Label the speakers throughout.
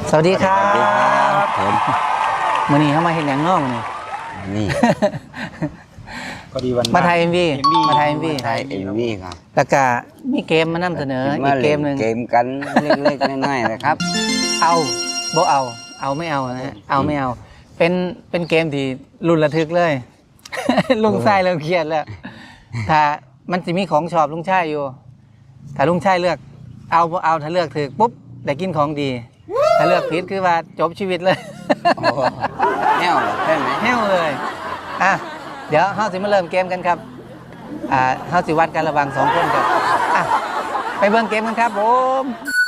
Speaker 1: สวัสดีครับ
Speaker 2: ผม
Speaker 1: มื้อนี้เข้ามาเห็นอย่างน้องนี่
Speaker 2: ก็ดีวัน
Speaker 1: มาไทย MV มาไทย MV
Speaker 2: ไทย MV ครับ
Speaker 1: แล้วก็มีเกมมานำเสนออีกเกมหนึ่ง
Speaker 2: เกมกันเล็กๆน้อยๆนะครับ
Speaker 1: เอาบ่เอาไม่เอานะฮะเอาไม่เอาเป็นเกมที่รุ่นระทึกเลย ลุงชายเริ่มเครียดแล้วถ้ามันจะมีของชอบลุงชายอยู่ถ้าลุงชายเลือกเอาถ้าเลือกถูกปุ๊บได้กินของดีถ้าเลือกผิดคือว่าจบชีวิตเลย
Speaker 2: แน่วใช่ไหม
Speaker 1: แห้วเลยอ่ะเดี๋ยวเฮาสิมาเริ่มเกมกันครับเฮาสิวัดกันระหว่าง2คนครับอ่ะไปเบิ่งเกมกันครับผม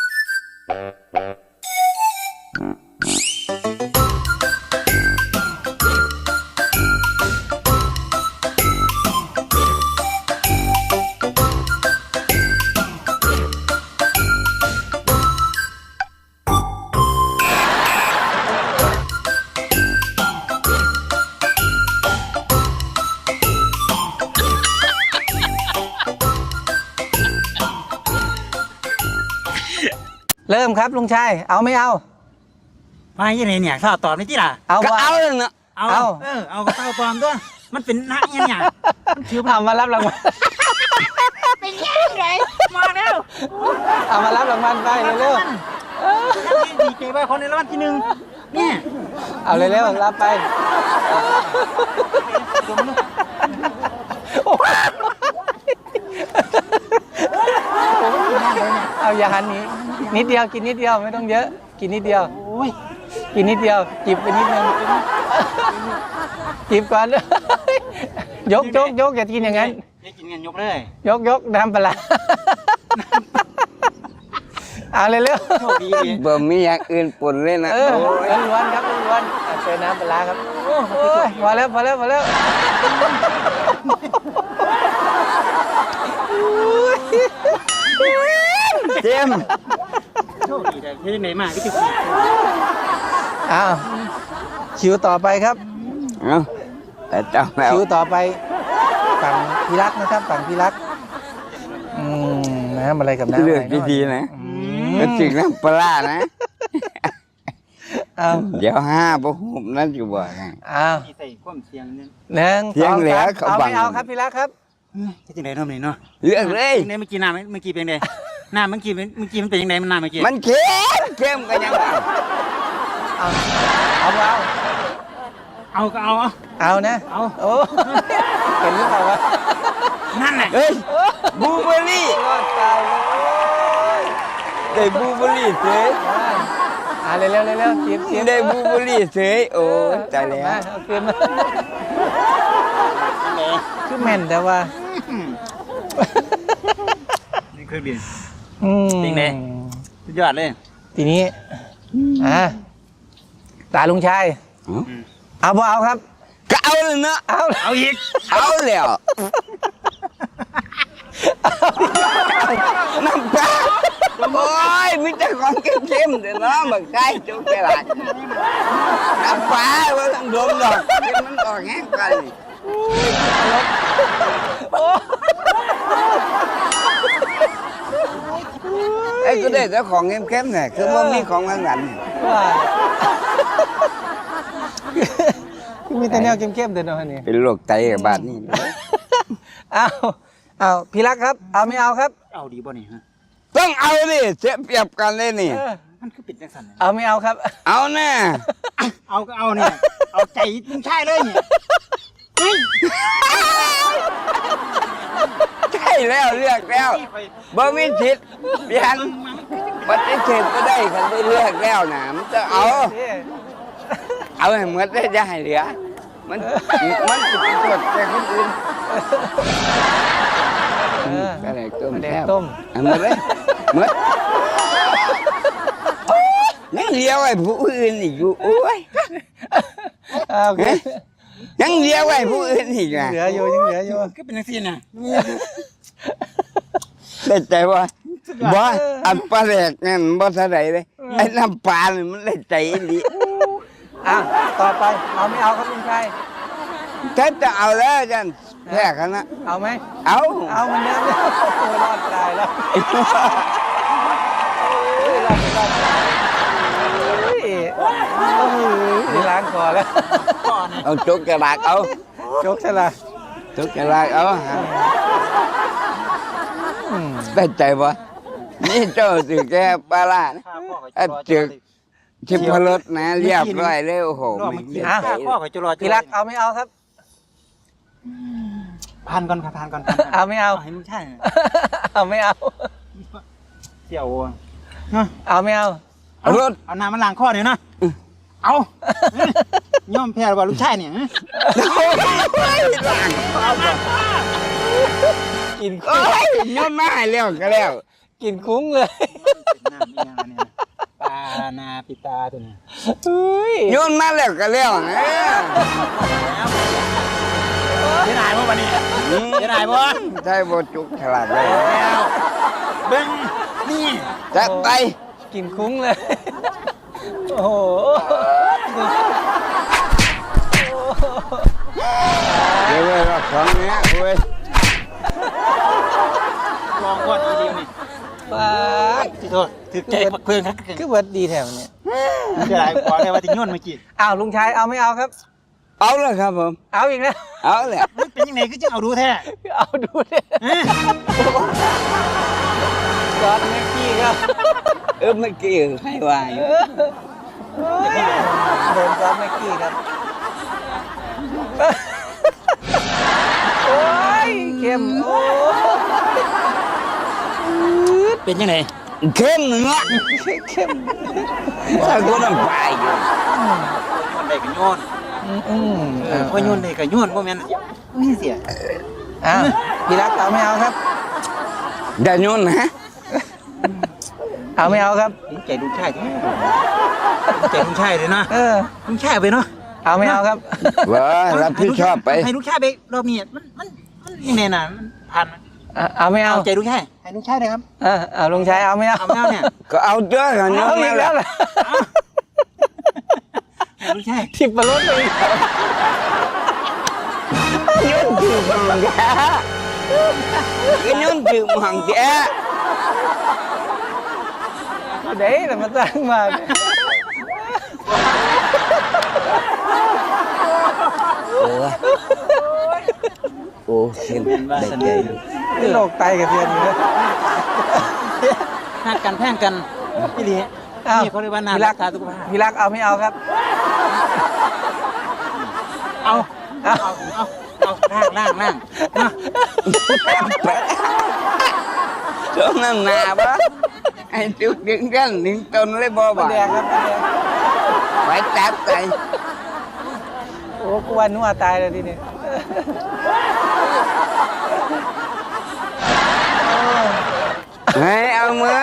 Speaker 1: เริ่มครับลุงชายเอาไม่เอา
Speaker 3: มาอย่างไรเนี่ยข้าวตอบไม่ที่ล่ะ
Speaker 1: เอา
Speaker 2: ก็
Speaker 1: บ่
Speaker 2: เอาเลยเนาะ
Speaker 3: เอาเอาข้าวตอบด้วยมันเป็นนักเนี่ยมันถือ
Speaker 1: เอามารับรางวัล
Speaker 3: เป็นยังไงมาแล้ว
Speaker 1: เอามารับรางวัลไปเร็ว
Speaker 3: ดีใจว่าคนในรางวัลที่หนึ่งเนี่ย
Speaker 1: ๆเอาเร็วๆรับไปเอาอย่าหันหนีนิดเดียวกินนิดเดียวไม่ต้องเยอะกินนิดเดียว
Speaker 3: โอ้ย
Speaker 1: กินนิดเดียวจิบไปนิดนึงจิบก่อน ยกอย่ากินอย่างนั้น
Speaker 3: จะกินกันยกเลย
Speaker 1: ยกน้ำปลาเอาเร็ว
Speaker 3: โชคดีเลย
Speaker 2: บ่มีอย่างอื่นปนเลยนะ
Speaker 1: ๆล้วนๆครับล้วนๆเจอน้ำปลาครับโอ้ยพอแล้ว
Speaker 2: เจม
Speaker 3: โชคดีเลยที่ไหนมาก็ถือ
Speaker 1: อ้าวคิวต่อไปครับ
Speaker 2: เอาแต่เจ้าแล้ว
Speaker 1: คิวต่อไปฝั่งพี่รักนะครับฝั่งพี่รักน้ำอะไรกับน้ำ
Speaker 2: เลื
Speaker 1: อะ
Speaker 2: อก
Speaker 1: ไร
Speaker 2: ดีๆนะ
Speaker 1: อื
Speaker 2: ก็
Speaker 1: ม
Speaker 2: จริงน้ำปลานะ
Speaker 1: เอา
Speaker 2: เดี๋ยว5บ่หุบนั่นอยู่บ่นะ
Speaker 1: อ้าว
Speaker 3: ใส่ความเสียงเนี่ย
Speaker 1: หนึ่ง
Speaker 2: เสียง
Speaker 1: สอง
Speaker 2: เหลือ
Speaker 1: สาม
Speaker 2: เขา
Speaker 1: เอา
Speaker 2: บัง
Speaker 1: ไม่เอาครับพี่รักครับ
Speaker 3: จะยังไงทำนี่เนาะ
Speaker 2: เลือกเลย
Speaker 3: เมื่อกี้น้ำเมื่อกี้เป็นไงน้ำเมื่อกี้มันเป็นยังไงมันน้ำเมื่อกี้
Speaker 2: มันเข้มก็ยังเอา
Speaker 1: เอา
Speaker 3: เอาก็เอา
Speaker 1: เอานะ
Speaker 3: เอา
Speaker 1: โอ้เห็นหรือเปล่าวะ
Speaker 3: นั่นแหละ
Speaker 2: เฮ้ยบลูเบอร์รี่
Speaker 1: รอดตายเลย
Speaker 2: ได้บลูเบอร์รี่เฉย
Speaker 1: เร็วจิบ
Speaker 2: ได้บลูเบอร์รี่เฉยโอ้ตายแล้ว
Speaker 1: เอาคืนมาคือแม่นแต่ว่า
Speaker 3: นี่เครื่องบิน
Speaker 1: อืม
Speaker 3: จริงดิ สุดยอดเลย
Speaker 1: ทีนี้ตาลุงชายเอาบ่เอาครับ
Speaker 2: ก็เอาเลยเนาะ
Speaker 3: เอาอีก
Speaker 2: เอาแล้วน้ำปลาโอ้ยมีแต่ของเข้มๆเดี๋ยวน้องบักไก่จุกไปหลายน้ำปลาว่าต้องดมดอกเดี๋ยวมันออกแห้งกันไอ้ก็ได้แต่ของเข้มๆเนี่ยคือว่ามีของหวาน
Speaker 1: ว่ามีแต่แนวเข้มๆเดินเอาเนี่ย
Speaker 2: ๆเป็นโรคไตกับบาดนี่
Speaker 1: เอาพี่รักครับ เอาไม่เอาครับ
Speaker 3: เอาดีบ่นี่ฮะ
Speaker 2: ต้องเอาดิเสียเปรียบกันเลยนี่
Speaker 3: มันคือปิดจังสัน
Speaker 1: เอาไม่เอาครับ
Speaker 2: เอาแน่
Speaker 3: เอาก็เอาเนี่ยเอาใจลุงชายเลยเนี่ยเฮ้ย
Speaker 2: ใช่แล้วเลือกแล้วบ่มีสิทธิ์เปลี่ยนปฏิเสธก็ได้คันได้เลือกแล้วนะมันจะเอาให้หมดได้จะให้เหลือมันจะเป็นตัวแต่คนอื่นอะไรต้ม
Speaker 1: แดง
Speaker 2: แซ่บ
Speaker 1: ต้ม
Speaker 2: เอาหมดเลยหมดยังเลี้ยวไอ้ผู้อื่นอีกอยู่โอ้ย
Speaker 1: โอเค
Speaker 2: ยังเลี้ยวไอ้ผู้อื่นอีกนะ
Speaker 1: เหลืออยู่ยังเหลืออยู่
Speaker 3: ก็เป็นจังซี่น่ะ
Speaker 2: ได้ใจว่าบ่อันปลาแหลกนั่นบ่เท่าไหร่เลยไอ้น้ำปลานี่มันได้ใจดี
Speaker 1: ต่อไปเอาไม่เอาครับลุงชาย
Speaker 2: ถ้าจะเอาแล้วจันแพ้กันนะ
Speaker 1: เอาไหม
Speaker 2: เอา
Speaker 1: เอาเหมือนเดิมเลยโอ้รอดตายแล้วรอดอแล้ว
Speaker 3: ก่อนนะ
Speaker 2: เอาจกกระดาษเอา
Speaker 1: จกใช่ละ
Speaker 2: จกกระดาษเอา
Speaker 1: อืม
Speaker 2: ได้ใจบ่นี่เจ้าถือแก่ปลาล่านะ
Speaker 3: ข้าพ่อไป
Speaker 2: อ่ะ
Speaker 3: จะรอ
Speaker 2: ทิพรสนะเรียบร้อยเลยโอ้โห
Speaker 3: รอ
Speaker 2: ไม่
Speaker 3: เมื่อ
Speaker 2: เสี
Speaker 3: กี้
Speaker 2: ย
Speaker 3: ข้า
Speaker 2: ใจ
Speaker 3: พ่อไปจะรอ
Speaker 1: พี่รักเอาไม่เอาครับ
Speaker 3: ทานก่อนครับทานก่อน
Speaker 1: เอาไม่เอา
Speaker 3: ให้ลุงชาย
Speaker 1: เอาไม่เอา
Speaker 3: เสี่ยวเนาะ
Speaker 1: เอาไม่เอา
Speaker 2: เอารถ
Speaker 3: เอาน้ำมันล้างข้อเดี๋ยวนะเอาย่อมแพ้ว่าลูกชายเนี่ย
Speaker 1: กิน
Speaker 2: โอ้ยย้อนมาให้แล้วก็แล้ว
Speaker 1: กินคุ้งเลย
Speaker 3: เป็นน้ำมีอย่างเนี่ยปลานาปิตาตัวนี้
Speaker 1: เฮ้ย
Speaker 2: ย้อนมาแล้วก็แล้วนะ
Speaker 3: จะได้บ่วันนี้จะได้บ่
Speaker 2: ใช่บ่จุกฉลาดเลย
Speaker 3: แล้วเบิ้งนี่
Speaker 2: จัดไป
Speaker 1: กินคุ้งเลย โอ้โห
Speaker 2: เดี๋ยวเว้ยรอบสองเนี้ยเว้ย
Speaker 3: ลองก่อนอีเดียวนี่
Speaker 1: ป้าด
Speaker 3: ที่โทษถือใจปักเพื่อนครับ
Speaker 1: คือเบิร์ดดีแถวเนี่ย
Speaker 3: จะได้กว่าแต่ว่าที่ย้อนเมื่อกี้
Speaker 1: อ้าวลุงชายเอาไม่เอาครับ
Speaker 2: เอาเลยครับผม
Speaker 1: เอาอีกแล้ว
Speaker 2: เอาเลย
Speaker 3: มันเป็นยังไงก็จะเอาดูแท้
Speaker 1: เอาดูดิจอร์ดแม็กกี้ครับ
Speaker 2: เมื่อกี้ให้วาย
Speaker 1: โดนจอร์ดแม็กกี้ครับ โอ้ยเข้มโอ้
Speaker 3: เป็นยังไง
Speaker 2: เข้มเนาะ
Speaker 1: เข้ม
Speaker 2: ถ้ากูน้ำไปอยู่
Speaker 3: มันได้กันย้อนพอย้อนได้กันย้อนบ่แม่นนี่เสีย
Speaker 1: อ้าวพี่รักเอาไม่เอาครับ
Speaker 2: อย่าโยนนะ
Speaker 1: เอาไม่เอาครับ
Speaker 3: ใจลุงชายใจลุงชายเลยนะ
Speaker 1: เออ
Speaker 3: ลุงชายไปเนาะ
Speaker 1: เอาไม่เอาครับ
Speaker 2: ว่ารับผิดชอบไป
Speaker 3: ให้ลุงชายไปรอบนี้มันยังไงน่ะมันผ่าน
Speaker 1: เอาไม่เอา
Speaker 3: เอาใจลุงชายให้ลุงชายเลยครับ
Speaker 1: เอาลุงชายเอาไม่เอา
Speaker 3: เอาไม่เอาเนี่ย
Speaker 2: ก็เอาเด้อกันโย
Speaker 1: เอา
Speaker 2: น
Speaker 1: อี
Speaker 2: มาก
Speaker 1: แล้
Speaker 2: แล้ว ว
Speaker 1: เหรอ
Speaker 3: ลุงชาย
Speaker 1: ทิบประรดเลย
Speaker 2: โยนถือมังแกก็โยนถือมังแก
Speaker 1: เดี๋ยวแต่มาตั้งมาเนี่ย
Speaker 2: โอ้เข้มได้ใจ
Speaker 1: นี่โรคไตกับเทียนอยู่นะ
Speaker 3: หักกันแพ่งกันพี่ลี
Speaker 1: อ้าว
Speaker 3: นี่เขาเรียกว่านา
Speaker 1: พี่
Speaker 3: รั
Speaker 1: รั
Speaker 3: ก
Speaker 1: ก
Speaker 3: ษาสุขภาพ
Speaker 1: พี่รักเอาไม่เอาครับ
Speaker 3: เอา
Speaker 1: เอา
Speaker 3: ล่างนะ
Speaker 2: ช่วงนั้นหนาปะไอ้จุกดึงกันดึงต้นเลยบ่
Speaker 1: ป
Speaker 2: บ่
Speaker 1: ลาแดงครับปลาแดง
Speaker 2: ไปจับใจ
Speaker 1: โอ้กูวันนัวตายเลยทีนี้
Speaker 2: ให้เอาเหมือน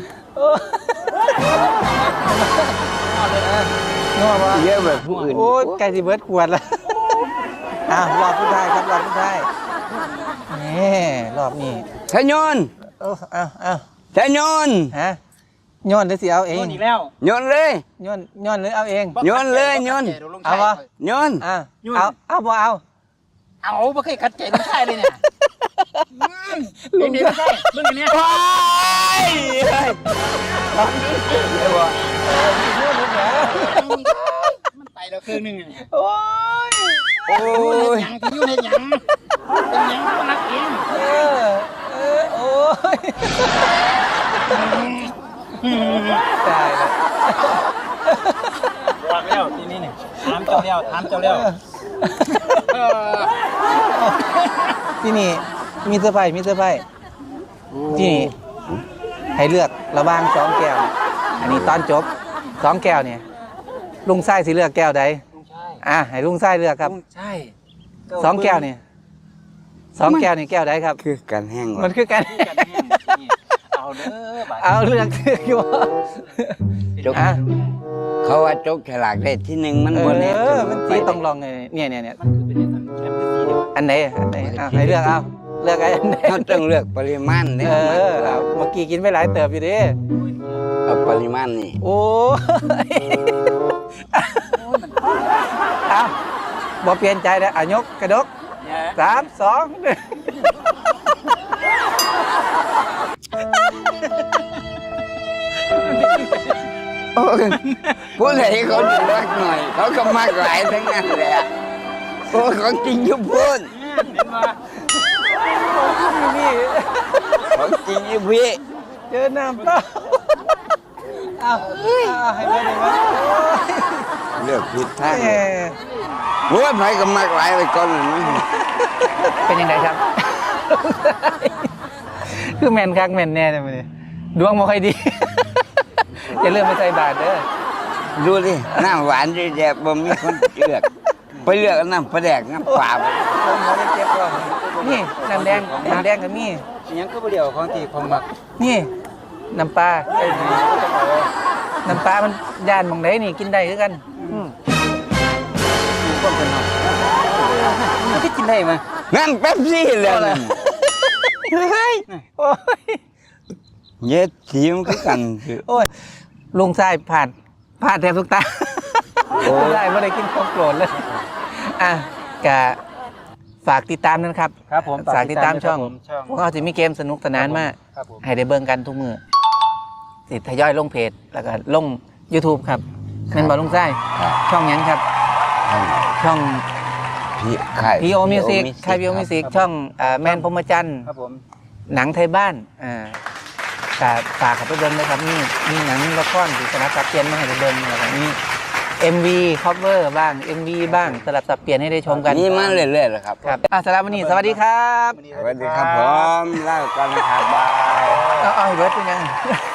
Speaker 1: นัวปะ
Speaker 2: เยอะแบบผู้อื่น
Speaker 1: โอ้ไก่ที่เบิร์ดขวดละอ้าวรอบผู้ชายครับรอบผู้ชายนี่รอบนี้
Speaker 2: ทะยน
Speaker 1: เอา
Speaker 2: ทะยน
Speaker 1: ฮะย้อนหรือสิเอาเอง
Speaker 3: โดนอีกแล้ว
Speaker 2: โยนเลย
Speaker 1: ย้อนหรือเอาเอง
Speaker 2: โยนเลยโยน
Speaker 1: เอาวะ
Speaker 2: โยน
Speaker 1: เอาบ่เอา
Speaker 3: เอาไม่เคยขัดใจลุงชายเลยเนี่ยลุงชายเรื่องนี้
Speaker 2: ว้ายทำดีเลยว่ะ
Speaker 3: มันไปแล้วครึ่งนึง
Speaker 1: โอ้ย
Speaker 2: โอ้ย
Speaker 3: ยังที่อยู่ในยังเป็นยังก็รักเอง
Speaker 1: โอ้ยตายแล้ว
Speaker 3: วางแล้วทีนี้เนี่ยถามเจ้าแล้ว
Speaker 1: ที่นี่มีเสื้อผ้ามีเสื้อผ้าที่นี่ให้เลือกระหว่างสองแก้ว อันนี้ตอนจบสองแก้วเนี่ยลุงไส้สิเลือกแก้วใด
Speaker 3: ลุงชาย
Speaker 1: ให้ลุงไส้เลือกครับ
Speaker 3: ลุงชาย
Speaker 1: สองแก้วเนี่ยสองแก้วนี่แก้วใดครับ
Speaker 2: คือการแห้ง
Speaker 1: มันคือกัน
Speaker 3: เอาเด้อบัด
Speaker 1: เอาเลือกอยู่
Speaker 2: จกเขาว่าจกฉลากได้ที่หนึ่งมันบนนี้
Speaker 1: มันสีต้องลองเลยเนี่ย
Speaker 3: มันคือเป็นแชมป์ที่เดียว
Speaker 1: อันไหนให้เลือกเอาเลือกไอ้อันไหน
Speaker 2: เขาต้องเลือกปริมาณเนี่ย
Speaker 1: เอาเมื่อกี้กินไปหลายเติบอยู่ดิ
Speaker 2: เอาปริมาณนี่
Speaker 1: โอ้ยเอาบ่เปลี่ยนใจแล้วยกกระดก 3 2 1
Speaker 2: โอ้ยผู้ใดเขาจะรักหน่อย เขาก็มากหลายทั้งนั้นแหละโอ้ยของจริงอยู่พูน
Speaker 3: เห็นว่า
Speaker 1: นี่
Speaker 2: ของจริงอยู่พี่
Speaker 1: เจอน้ำเปล่าเอาให้เพื่อนหน่อยมั้ย
Speaker 2: เลือกผิดทาง
Speaker 1: เอ้ย
Speaker 2: โอ้ยไผก็มากหลายไปก่อนเลยมั้ง
Speaker 1: เป็นยังไงครับ คือแมนคักแมนแน่เลยมันดวงไม่ค่อยดี อย่าลืมมาใส่บาตรเด้อ
Speaker 2: ดูดิน้ำหวานดีแดบบ่มีคนเลือกไปเลือกน้ำปลาแดกน้ำปลาไป
Speaker 1: นี่น้ำแดงก็มี
Speaker 3: อิหยังก็บ่เดียวของที่ของมัก
Speaker 1: นี่น้ำปลา
Speaker 3: ไอ้นี่ก็ต้องเอา
Speaker 1: น้ำปลามันย่านหมองไหนนี่กินได้คือกัน
Speaker 3: ความเป็นเนาะมันสิกินได้มั้ย
Speaker 2: นั่นเป๊ปซี่เลยนั่น
Speaker 1: เฮ้ยโอ้ย
Speaker 2: เย็ดทีมคือกันคือ
Speaker 1: โอ้ยลุงทรายผ่านแทบทุกตาลุงทรายไม่ได้กินของโปรดเลยอ่ะกะฝากติดตามนะครับ
Speaker 3: ครับผม
Speaker 1: ฝากติดตามช่อง
Speaker 3: ช่อง
Speaker 1: พวกเราจะมีเกมสนุกสนานมาก
Speaker 3: ครับผม
Speaker 1: ให้ได้เบิ่งกันทุกมือสิทยอยลงเพจ แล้วก็ลง YouTube ครับแม่นบ่ลุงไส้ช่องหยังครับ ช่อง
Speaker 2: พี่ไข่
Speaker 1: พีโอมิวสิกค่ายพีโอมิวสิกช่องแมนพรหมจันทร์
Speaker 3: ครับผม
Speaker 1: หนังไทยบ้านก็ฝากกับไปเบิ่งนะครับมีหนังละครที่สลับสับเปลี่ยนมาให้ได้เบิ่งแล้วก็มี MV cover บ้าง MV บ้างสลับสับเปลี่ยนให้ได้ชมกัน
Speaker 2: นี่มาเรื่อยๆเลยครับ
Speaker 1: ครับสำหรับวันนี้สวัสดีครับ
Speaker 2: สวัสดีครับผมเล่ากันนะครับบาย
Speaker 1: เอาให้เบิร์ดเป็นยัง